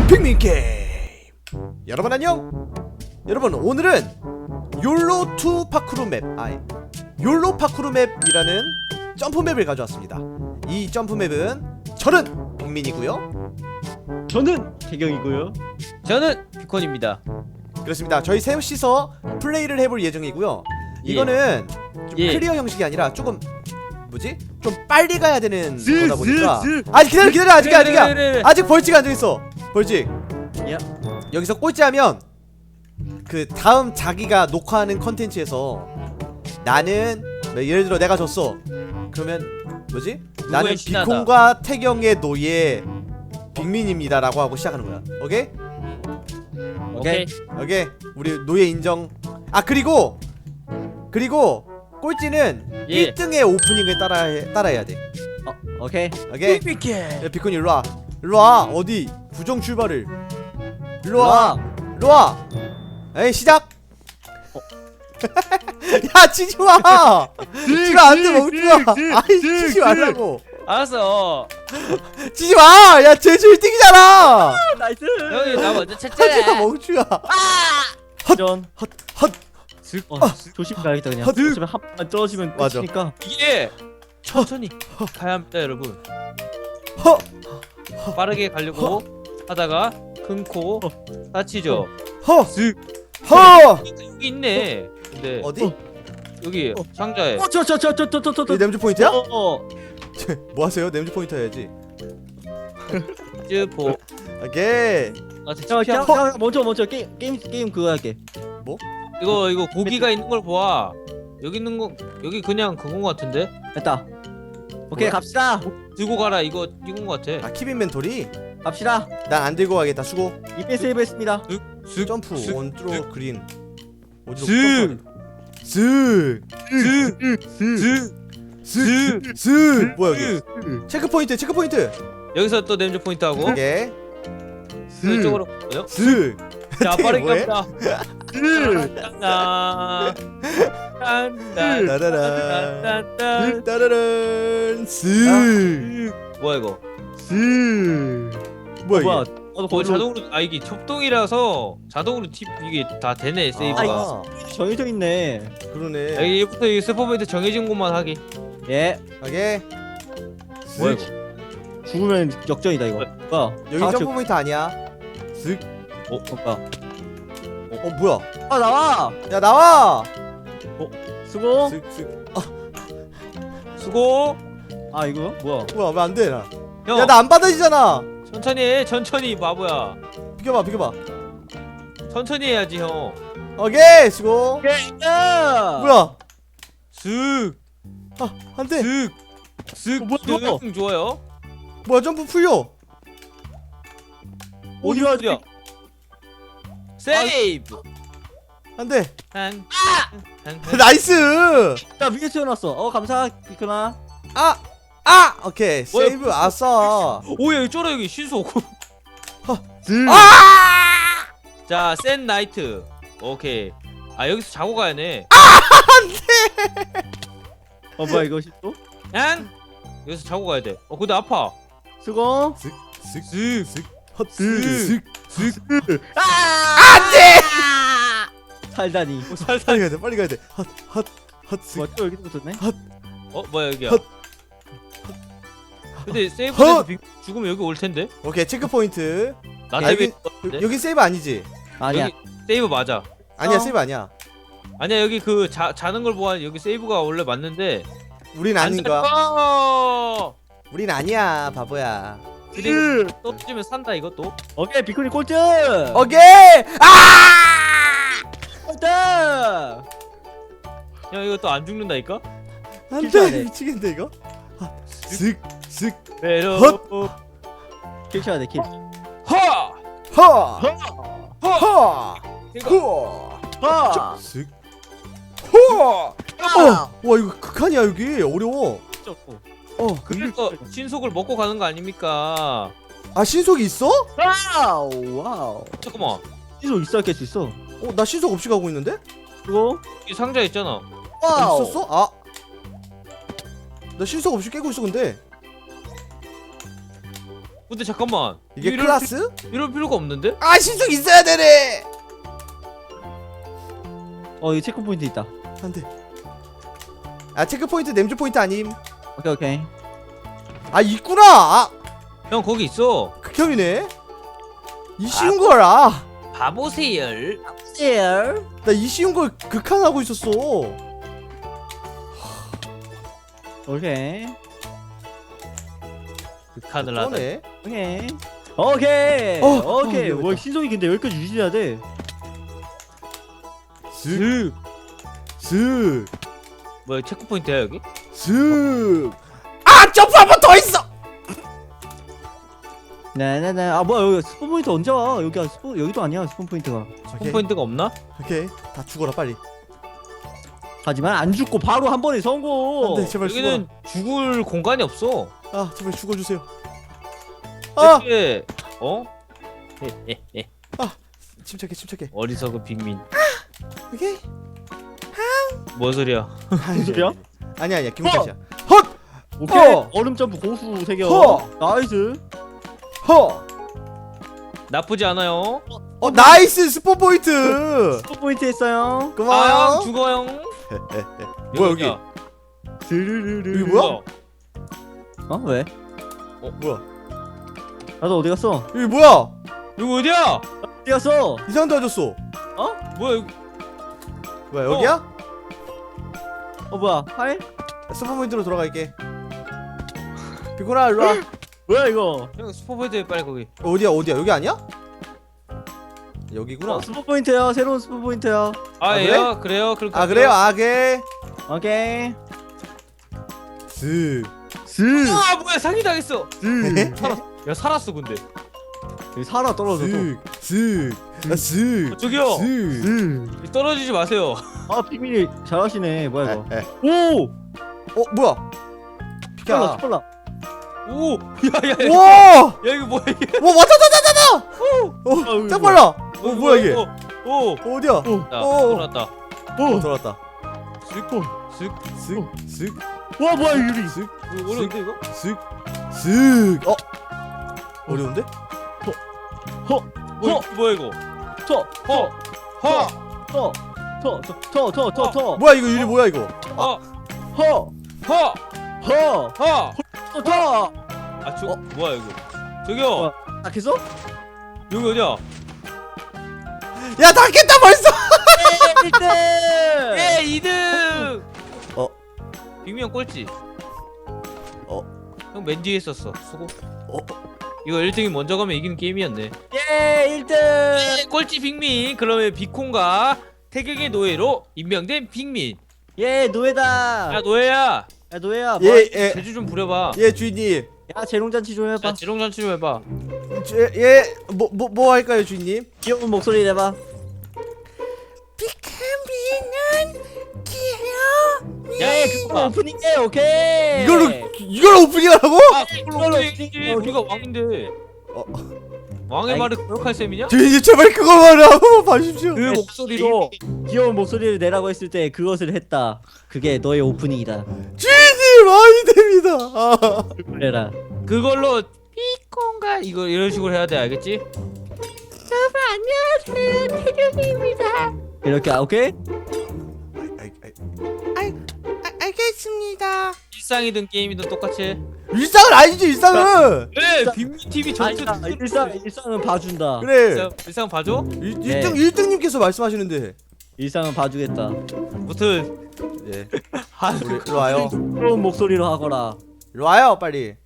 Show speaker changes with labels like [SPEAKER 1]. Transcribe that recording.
[SPEAKER 1] 핑민 게임. 여러분 안녕. 여러분 오늘은 욜로2 파크루 맵, 욜로 파크루 맵이라는 점프 맵을 가져왔습니다. 이 점프 맵은 저는 핑민이고요.
[SPEAKER 2] 저는 태경이고요.
[SPEAKER 3] 저는 비콘입니다.
[SPEAKER 1] 그렇습니다. 저희 셋이서 플레이를 해볼 예정이고요. 이거는 좀 클리어 형식이 아니라 조금 좀 빨리 가야 되는 거다 보니까. 아직 기다려 아직 벌칙 안 정했어. 벌칙.
[SPEAKER 2] 야.
[SPEAKER 1] 여기서 꼴찌하면 그 다음 자기가 녹화하는 컨텐츠에서 나는 예를 들어 내가 졌어. 그러면 나는
[SPEAKER 3] 신하다.
[SPEAKER 1] 비콘과 태경의 노예 빅민입니다라고 하고 시작하는 거야. 오케이?
[SPEAKER 3] 오케이.
[SPEAKER 1] 오케이. 우리 노예 인정. 그리고 꼴찌는 1등의 오프닝을 따라해야 돼.
[SPEAKER 2] 오케이.
[SPEAKER 1] 오케이? 야, 비콘이 일로와. 일로와. 어디 부정 출발을. 일로와. 일로와. 에이 시작. 야 치지마. 치가 안돼 멍청아. 아이 치지 말라고.
[SPEAKER 3] 알았어.
[SPEAKER 1] 치지마. 야 제주 1등이잖아.
[SPEAKER 2] 나이스.
[SPEAKER 3] 형이 나 먼저
[SPEAKER 1] 하지마
[SPEAKER 3] 쳤잖아.
[SPEAKER 1] 멍청아.
[SPEAKER 2] 전
[SPEAKER 1] 헛.
[SPEAKER 2] 조심 가야겠다 그냥.
[SPEAKER 1] 헛.
[SPEAKER 2] 조심히 한번 떨어지면
[SPEAKER 1] 맞아.
[SPEAKER 2] 끝이니까.
[SPEAKER 3] 이게 천천히 가야 합니다, 여러분.
[SPEAKER 1] 허.
[SPEAKER 3] 빠르게 가려고 하다가 큰코 다치죠.
[SPEAKER 1] 허.
[SPEAKER 3] 슥.
[SPEAKER 1] 허.
[SPEAKER 3] 여기 있네. 근데
[SPEAKER 1] 어디?
[SPEAKER 3] 여기 상자에
[SPEAKER 2] 저저저저저저저.
[SPEAKER 1] 이 냄새 포인트야?
[SPEAKER 2] 어.
[SPEAKER 1] 뭐 하세요? 냄새 포인트 해야지.
[SPEAKER 3] 쯔보.
[SPEAKER 1] 오케이.
[SPEAKER 2] 자, 먼저 게임 그거 할게.
[SPEAKER 3] 이거 고기가 있는 걸 봐. 여기 있는 거 여기 그냥 그건 거 같은데.
[SPEAKER 2] 됐다. 오케이
[SPEAKER 1] 뭐야?
[SPEAKER 2] 갑시다.
[SPEAKER 3] 들고 가라 이건 거 같아.
[SPEAKER 1] 킵 인벤토리?
[SPEAKER 2] 갑시다.
[SPEAKER 1] 난 안 들고 가겠다. 수고.
[SPEAKER 2] 이벤 세이브했습니다.
[SPEAKER 3] 슥.
[SPEAKER 1] 점프
[SPEAKER 3] 슥.
[SPEAKER 1] 원드로 그린. 어디로
[SPEAKER 3] 슥.
[SPEAKER 1] 슥. 슥. 뭐야 여기? 체크 포인트.
[SPEAKER 3] 여기서 또 냄새 포인트 하고
[SPEAKER 1] 오케이.
[SPEAKER 3] 이쪽으로 가요.
[SPEAKER 1] 슥.
[SPEAKER 3] 자 빠르게
[SPEAKER 1] 뭐해?
[SPEAKER 3] 갑니다.
[SPEAKER 1] 따라란. 따라란. 슥.
[SPEAKER 3] 뭐야 이거?
[SPEAKER 1] 뭐야
[SPEAKER 2] 뭐야?
[SPEAKER 1] 이게?
[SPEAKER 2] 나도
[SPEAKER 3] 거의
[SPEAKER 2] 거기로
[SPEAKER 3] 자동으로 이게 협동이라서 자동으로 팁 이게 다 되네 세이브가.
[SPEAKER 2] 정해져 있네.
[SPEAKER 1] 그러네.
[SPEAKER 3] 여기부터 이 스포메이트 정해진 곳만 하기.
[SPEAKER 2] 예.
[SPEAKER 1] 오케이.
[SPEAKER 3] 뭐야
[SPEAKER 1] 슥.
[SPEAKER 3] 이거?
[SPEAKER 2] 죽으면 역전이다 이거. 뭐야?
[SPEAKER 1] 여기 점프 포인트 아니야. 슥.
[SPEAKER 2] 뭐야?
[SPEAKER 1] 뭐야?
[SPEAKER 2] 나와.
[SPEAKER 1] 야 나와.
[SPEAKER 2] 수고.
[SPEAKER 1] 슥.
[SPEAKER 3] 수고.
[SPEAKER 2] 이거 뭐야?
[SPEAKER 1] 뭐야 왜 안 돼? 나.
[SPEAKER 3] 형
[SPEAKER 1] 야 나 안 받아지잖아.
[SPEAKER 3] 천천히 해 천천히 바보야.
[SPEAKER 1] 비켜봐.
[SPEAKER 3] 천천히 해야지 형.
[SPEAKER 1] 오케이 수고.
[SPEAKER 2] 야!
[SPEAKER 1] 뭐야?
[SPEAKER 3] 슥.
[SPEAKER 1] 안 돼.
[SPEAKER 3] 슥.
[SPEAKER 2] 뭐야?
[SPEAKER 3] 좋아요.
[SPEAKER 1] 뭐야 점프 풀려.
[SPEAKER 2] 어디가
[SPEAKER 3] 어디야? 세이브.
[SPEAKER 1] 안 돼.
[SPEAKER 3] 한.
[SPEAKER 1] 나이스.
[SPEAKER 2] 야 위에 태어났어. 감사 비크나.
[SPEAKER 1] 오케이
[SPEAKER 3] 뭐야?
[SPEAKER 1] 세이브 아싸.
[SPEAKER 3] 오야 여기 쫄아 여기 신속. 자, 센 나이트. 오케이. 여기서 자고 가야네.
[SPEAKER 2] 뭐야 이거 또?
[SPEAKER 3] 응? 여기서 자고 가야 돼. 근데 아파.
[SPEAKER 2] 수고.
[SPEAKER 1] 슥.
[SPEAKER 2] 안돼. 살다니.
[SPEAKER 3] 살살.
[SPEAKER 1] 빨리 가야 돼.
[SPEAKER 2] 뭐야 또 여기 붙었네.
[SPEAKER 3] 뭐야 여기야.
[SPEAKER 1] 헛.
[SPEAKER 3] 근데 세이브에서 죽으면 여기 올 텐데.
[SPEAKER 1] 오케이 체크 포인트.
[SPEAKER 3] 나
[SPEAKER 1] 여기-
[SPEAKER 3] 때문에.
[SPEAKER 1] 여기 세이브 아니지?
[SPEAKER 2] 아니야.
[SPEAKER 3] 여기 세이브 맞아.
[SPEAKER 1] 아니야 세이브 아니야.
[SPEAKER 3] 아니야 여기 그 자는 걸 보아 여기 세이브가 원래 맞는데.
[SPEAKER 1] 우린 아닌가?
[SPEAKER 3] 가.
[SPEAKER 1] 우린 아니야 바보야.
[SPEAKER 3] 그리고 또 뜯으면 산다 이것도.
[SPEAKER 2] 오케이 비크니 꼴찌.
[SPEAKER 1] 오케이.
[SPEAKER 2] 꼴찌.
[SPEAKER 3] 야 이거 또 안 죽는다니까?
[SPEAKER 2] 킬쳐야
[SPEAKER 1] 안돼
[SPEAKER 2] 돼.
[SPEAKER 1] 미치겠네 이거. 슥.
[SPEAKER 3] 메로.
[SPEAKER 2] 킬 쳐야 돼 킬.
[SPEAKER 3] 하.
[SPEAKER 1] 허. 허.
[SPEAKER 3] 이거.
[SPEAKER 2] 아.
[SPEAKER 1] 슥. 허. 와 이거 극한이야 여기 어려워.
[SPEAKER 3] 그래서 신속을 먹고 가는 거 아닙니까?
[SPEAKER 1] 신속이 있어?
[SPEAKER 2] 와우.
[SPEAKER 3] 잠깐만.
[SPEAKER 2] 신속 있어야 깰 수 있어.
[SPEAKER 1] 나 신속 없이 가고 있는데?
[SPEAKER 2] 그리고
[SPEAKER 3] 이 상자 있잖아.
[SPEAKER 1] 있었어? 나 신속 없이 깨고 있어 근데.
[SPEAKER 3] 근데 잠깐만.
[SPEAKER 1] 이게
[SPEAKER 3] 이럴
[SPEAKER 1] 클라스?
[SPEAKER 3] 이럴 필요가 없는데?
[SPEAKER 1] 아 신속 있어야 되네.
[SPEAKER 2] 여기 체크 포인트 있다.
[SPEAKER 1] 안돼. 아 체크 포인트 냄새 포인트 아님.
[SPEAKER 2] 오케이 오케이.
[SPEAKER 1] 아 있구나. 아
[SPEAKER 3] 형 거기 있어.
[SPEAKER 1] 극혐이네. 이 쉬운 걸 아.
[SPEAKER 3] 바보세요.
[SPEAKER 2] 셀.
[SPEAKER 1] 나 이 쉬운 걸 극한하고 있었어.
[SPEAKER 2] 오케이.
[SPEAKER 3] 극한을 하다.
[SPEAKER 1] 떠네.
[SPEAKER 2] 오케이. 오케이. 오케이.
[SPEAKER 1] 여기
[SPEAKER 2] 와
[SPEAKER 1] 있다.
[SPEAKER 2] 신속이 근데 여기까지 유지해야 돼.
[SPEAKER 1] 슥. 슥.
[SPEAKER 3] 뭐야 체크 포인트야 여기?
[SPEAKER 1] 슥. 아 점프 한 번 더 있어.
[SPEAKER 2] 네네네. 아 뭐야 여기 스폰 포인트 언제 와? 여기가 스폰 여기도 아니야 스폰 포인트가.
[SPEAKER 1] 오케이.
[SPEAKER 3] 포인트가 없나?
[SPEAKER 1] 오케이. 다 죽어라 빨리.
[SPEAKER 2] 하지만 안 죽고 바로 한 번에 성공.
[SPEAKER 1] 안돼 제발 죽어.
[SPEAKER 3] 여기는 죽을 공간이 없어.
[SPEAKER 1] 아 제발 죽어주세요. 아
[SPEAKER 3] 이렇게
[SPEAKER 1] 침착해 침착해.
[SPEAKER 3] 어리석은 빅민.
[SPEAKER 1] 오케이.
[SPEAKER 3] 뭔 소리야?
[SPEAKER 2] 무슨 소리야?
[SPEAKER 1] 아니야 아니야 기분 탓이야. 헛.
[SPEAKER 2] 오케이.
[SPEAKER 1] 어.
[SPEAKER 2] 얼음 점프 고수 세계.
[SPEAKER 1] 허.
[SPEAKER 2] 나이스.
[SPEAKER 1] 허.
[SPEAKER 3] 나쁘지 않아요.
[SPEAKER 1] 나이스 스포 포인트.
[SPEAKER 2] 스폰 포인트 했어요.
[SPEAKER 1] 고마워요.
[SPEAKER 3] 죽어요.
[SPEAKER 1] 뭐야 여기?
[SPEAKER 3] 어디야?
[SPEAKER 2] 스르르르.
[SPEAKER 1] 여기 뭐야?
[SPEAKER 2] 어 왜?
[SPEAKER 1] 뭐야?
[SPEAKER 2] 나도 어디 갔어?
[SPEAKER 1] 여기 뭐야?
[SPEAKER 3] 여기 어디야?
[SPEAKER 2] 어디 갔어?
[SPEAKER 1] 이상한 데 와줬어.
[SPEAKER 3] 뭐야 여기?
[SPEAKER 1] 뭐야 여기야?
[SPEAKER 2] 뭐야? 하이?
[SPEAKER 1] 스포 포인트로 돌아갈게. 비코라 일로 와.
[SPEAKER 2] 뭐야 이거?
[SPEAKER 3] 형 스포포인트 빨리 거기.
[SPEAKER 1] 어디야 어디야 여기 아니야? 여기구나.
[SPEAKER 2] 스폰 포인트야. 새로운 스폰 포인트야.
[SPEAKER 3] 아
[SPEAKER 1] 그래?
[SPEAKER 3] 예요? 그래요? 그럼
[SPEAKER 1] 아 그래요 아게.
[SPEAKER 2] 오케이.
[SPEAKER 1] 슥.
[SPEAKER 2] 스.
[SPEAKER 3] 아 뭐야 사기 당했어.
[SPEAKER 2] 스.
[SPEAKER 3] 살았어. 야 살았어 근데.
[SPEAKER 2] 여기 살아 떨어져 또.
[SPEAKER 1] 슥. 슥.
[SPEAKER 3] 저기요.
[SPEAKER 1] 슥.
[SPEAKER 3] 떨어지지 마세요.
[SPEAKER 2] 아 빅민이 잘하시네. 뭐야 이거?
[SPEAKER 1] 에.
[SPEAKER 2] 오.
[SPEAKER 1] 뭐야?
[SPEAKER 2] 빨라
[SPEAKER 1] 비켜.
[SPEAKER 2] 빨라.
[SPEAKER 3] 오. 야야야.
[SPEAKER 1] 와.
[SPEAKER 3] 야 이거 뭐야 이게?
[SPEAKER 1] 와 왔다. 짱 빨라. 뭐야 이게?
[SPEAKER 3] 오.
[SPEAKER 1] 어디야?
[SPEAKER 3] 자
[SPEAKER 1] 오.
[SPEAKER 3] 돌았다.
[SPEAKER 1] 돌아왔다.
[SPEAKER 3] 슥.
[SPEAKER 1] 슥.
[SPEAKER 2] 와 뭐야 유리.
[SPEAKER 1] 슥.
[SPEAKER 3] 어려운데 이거?
[SPEAKER 1] 슥. 어려운데?
[SPEAKER 3] 뭐야 이거?
[SPEAKER 2] 터터터터터터터
[SPEAKER 1] 뭐야 이거 유리 뭐야 이거?
[SPEAKER 2] 허허허
[SPEAKER 3] 허. 아저 뭐야 이거? 저기요.
[SPEAKER 2] 딱했어?
[SPEAKER 3] 여기 어디야?
[SPEAKER 1] 야 닫겠다 벌써.
[SPEAKER 2] 1등!
[SPEAKER 3] 예 2등. 빅명 꼴찌. 형 맨 뒤에 있었어. 수고. 이거 1등이 먼저 가면 이기는 게임이었네.
[SPEAKER 2] 예 1등!
[SPEAKER 3] 예, 꼴찌 빅민. 그러면 비콘과 태경의 노예로 임명된 빅민.
[SPEAKER 2] 예 노예다.
[SPEAKER 3] 야 노예야.
[SPEAKER 2] 야 노예야.
[SPEAKER 1] 예
[SPEAKER 3] 제주 좀 부려봐.
[SPEAKER 1] 주인님.
[SPEAKER 2] 야 재롱잔치 좀 해봐.
[SPEAKER 3] 야 지롱잔치 좀 해봐.
[SPEAKER 1] 뭐 할까요 주인님?
[SPEAKER 2] 귀여운 목소리 내봐.
[SPEAKER 3] 야
[SPEAKER 2] 그거 오프닝해 오케이.
[SPEAKER 1] 이걸로 오프닝하라고?
[SPEAKER 3] 아 그걸로 오프닝이지. 우리가 왕인데. 왕의
[SPEAKER 2] 아이,
[SPEAKER 3] 말을 거역할 셈이냐?
[SPEAKER 1] 주인님 제발 그거만 한번 봐주십시오.
[SPEAKER 3] 그 목소리로.
[SPEAKER 2] 귀여운 목소리를 내라고 했을 때 그것을 했다. 그게 너의 오프닝이다.
[SPEAKER 1] 주인님 많이 됩니다. 아.
[SPEAKER 2] 그래라.
[SPEAKER 3] 그걸로 비콘가 이거 이런 식으로 해야 돼 알겠지?
[SPEAKER 2] 이렇게 오케이?
[SPEAKER 1] 알겠습니다.
[SPEAKER 3] 일상이든 게임이든 똑같이 해.
[SPEAKER 1] 일상은 아니지 일상은.
[SPEAKER 3] 그래 빅민 TV 전체
[SPEAKER 2] 아니다. 일상은 봐준다.
[SPEAKER 1] 그래.
[SPEAKER 3] 일상 봐줘?
[SPEAKER 1] 1등님께서 말씀하시는데.
[SPEAKER 2] 일상은 봐주겠다.
[SPEAKER 3] 무튼
[SPEAKER 1] 예.
[SPEAKER 3] 한
[SPEAKER 1] 우리 일로 와요.
[SPEAKER 2] 귀여운 목소리로 하거라.
[SPEAKER 1] 일로 와요 빨리.